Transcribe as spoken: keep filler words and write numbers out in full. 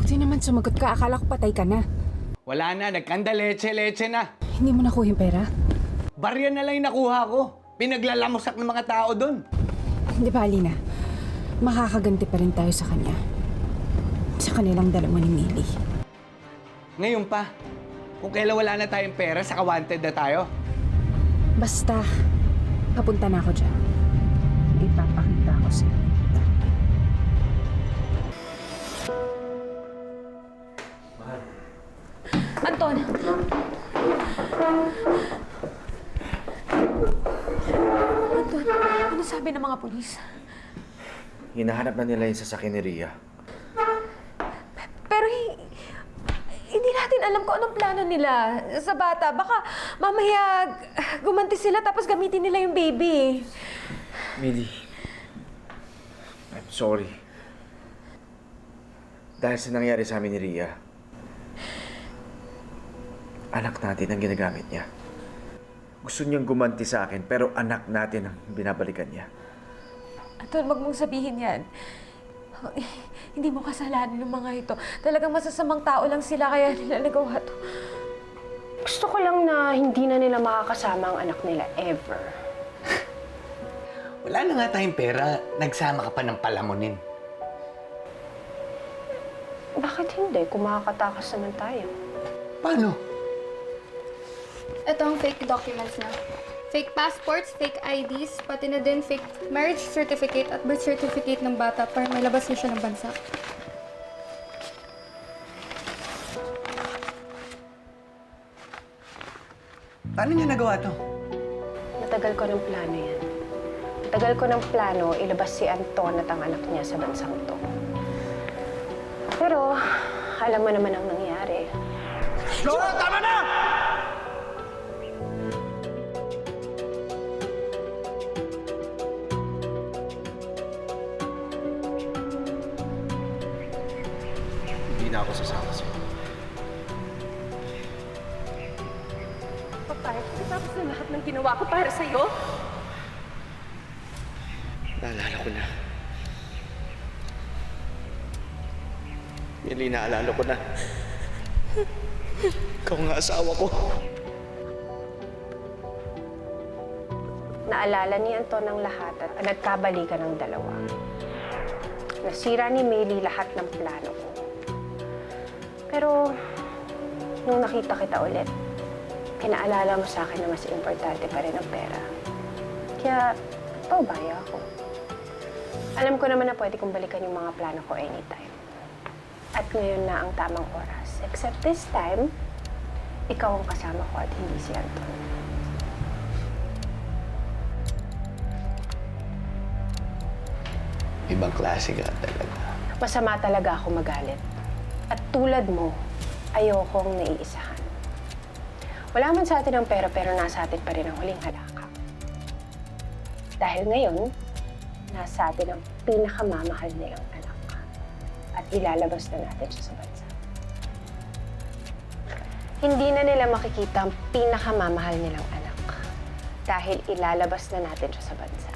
Buti naman sumagot ka. Akala ko patay ka na. Wala na, nagkanda leche-leche na. Hindi mo nakuha yung pera? Barya na lang yung nakuha ko. Pinaglalamusak ng mga tao doon. Hindi ba, Alina? Makakaganti pa rin tayo sa kanya. Sa kanilang dalawa ni Millie. Ngayon pa, kung kailan wala na tayong pera, saka wanted na tayo. Basta, papunta na ako dyan. Ipapakita ko sa'yo. Anton! Anton, ano sabi ng mga pulis? Hinahanap na nila yung sasakyan ni Rhea. Pero hi- hindi natin alam kung anong plano nila sa bata. Baka mamaya gumanti sila tapos gamitin nila yung baby. Millie, I'm sorry. Dahil sa nangyari sa amin ni Rhea, anak natin ang ginagamit niya. Gusto niyang gumanti sa akin, pero anak natin ang binabalikan niya. Anton, wag mong sabihin yan. Hindi mo kasalanan ng mga ito. Talagang masasamang tao lang sila kaya nila nagawa to. Gusto ko lang na hindi na nila makakasama ang anak nila ever. Wala na nga tayong pera, nagsama ka pa ng palamunin. Bakit hindi? Kung makakatakas naman tayo. Paano? Ito ang fake documents na. Fake passports, fake I Ds, pati na din fake marriage certificate at birth certificate ng bata para may labas na siya ng bansa. Paano niya nagawa to? Matagal ko ng plano yan. Matagal ko ng plano ilabas si Anton at ang anak niya sa bansang to. Pero, alam mo naman ang nangyari. Flora, tama na! Hindi na ako sasama sa'yo. Papay, tapos na lahat ng ginawa ko para sa'yo? Naalala ko na. Millie, naalala ko na. Ikaw nga asawa ko. Naalala ni Anton ang lahat at nagkabalikan ng dalawa. Nasira ni Millie lahat ng plano ko. Pero, nung nakita kita ulit, pinaalala mo sa akin na mas importante pa rin ang pera. Kaya, paubaya ako. Alam ko naman na pwede kong balikan yung mga plano ko anytime. At ngayon na ang tamang oras. Except this time, ikaw ang kasama ko at hindi si Anton. Ibang klase ka talaga. Masama talaga ako magalit. At tulad mo, ayokong naiisahan. Wala man sa atin ang pera pero nasa atin pa rin ang huling halakak. Dahil ngayon, nasa atin ang pinakamamahal nilang anak. At ilalabas na natin siya sa bansa. Hindi na nila makikita ang pinakamamahal nilang anak. Dahil ilalabas na natin siya sa bansa.